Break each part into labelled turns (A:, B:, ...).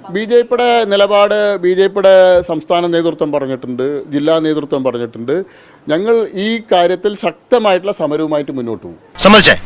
A: B J പിയുടെ നിലപാട് B J പിയുടെ സംസ്ഥാന നേതൃത്വം പറഞ്ഞിട്ടുണ്ട്, ജില്ലാ നേതൃത്വം പറഞ്ഞിട്ടുണ്ട്. ഞങ്ങൾ ഈ കാര്യത്തിൽ ശക്തമായിട്ടുള്ള സമരവുമായിട്ട് മുന്നോട്ട് പോകും.
B: സമ്മതിച്ചേ?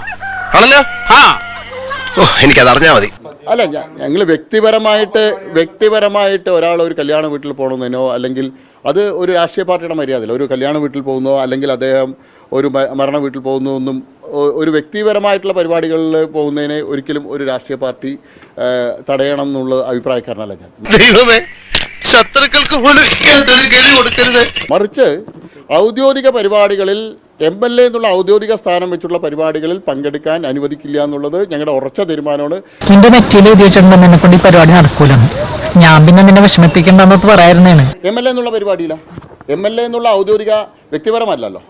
B: എനിക്കത് അറിഞ്ഞാൽ മതി.
A: അല്ല, ഞങ്ങൾ വ്യക്തിപരമായിട്ട് ഒരാൾ ഒരു കല്യാണ വീട്ടിൽ പോകണമെന്നോ അല്ലെങ്കിൽ അത് ഒരു രാഷ്ട്രീയ പാർട്ടിയുടെ മര്യാദയില്ല. ഒരു കല്യാണ വീട്ടിൽ പോകുന്നോ അല്ലെങ്കിൽ അദ്ദേഹം ഒരു മരണ വീട്ടിൽ പോകുന്നോ ഒന്നും ഒരു വ്യക്തിപരമായിട്ടുള്ള പരിപാടികളിൽ പോകുന്നതിനെ ഒരിക്കലും ഒരു രാഷ്ട്രീയ പാർട്ടി തടയണം എന്നുള്ള അഭിപ്രായക്കാരനല്ല ഞാൻ.
B: ശത്രുക്കൾക്ക് പോലും
A: മറിച്ച് ഔദ്യോഗിക പരിപാടികളിൽ MLA എന്നുള്ള ഔദ്യോഗിക സ്ഥാനം വെച്ചുള്ള പരിപാടികളിൽ പങ്കെടുക്കാൻ അനുവദിക്കില്ല എന്നുള്ളത് ഞങ്ങളുടെ ഉറച്ച തീരുമാനമാണ്.
C: നിന്റെ നെറ്റിയിൽ എഴുതി വെച്ചിട്ടുണ്ടെന്ന് എന്നെ കൊണ്ട് ഈ പരിപാടി നടക്കൂലെന്ന് ഞാൻ പിന്നെ നിന്നെ വിഷമിപ്പിക്കേണ്ടെന്നത് പറയാറുന്നതാണ്.
A: MLA എന്നുള്ള പരിപാടിയില്ല. MLA എന്നുള്ള ഔദ്യോഗിക വ്യക്തിപരമല്ലോ.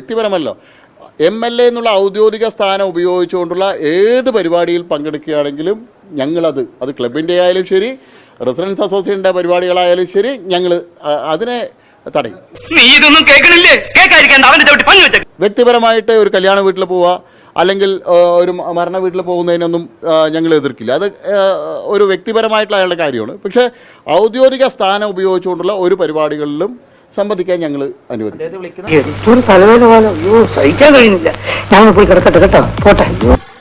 A: MLA എന്നുള്ള ഔദ്യോഗിക സ്ഥാനം ഉപയോഗിച്ചുകൊണ്ടുള്ള ഏത് പരിപാടിയിൽ പങ്കെടുക്കുകയാണെങ്കിലും ഞങ്ങളത് ക്ലബിൻ്റെ ആയാലും ശരി, റെസിഡൻസ് അസോസിയേഷൻ്റെ പരിപാടികളായാലും ശരി, ഞങ്ങൾ അതിനെ തടയും. വ്യക്തിപരമായിട്ട് ഒരു കല്യാണ വീട്ടിൽ പോവുക അല്ലെങ്കിൽ ഒരു മരണ വീട്ടിൽ പോകുന്നതിനൊന്നും ഞങ്ങൾ എതിർക്കില്ല. അത് ഒരു വ്യക്തിപരമായിട്ടുള്ള അയാളുടെ കാര്യമാണ്. പക്ഷേ ഔദ്യോഗിക സ്ഥാനം ഉപയോഗിച്ചുകൊണ്ടുള്ള ഒരു പരിപാടികളിലും സംബന്ധിക്കാൻ ഞങ്ങൾ അനുവദിക്കും.
C: സഹിക്കാൻ കഴിയുന്നില്ല. ഞാൻ പോയി കിടക്കട്ടെ കേട്ടോ, പോട്ടെ.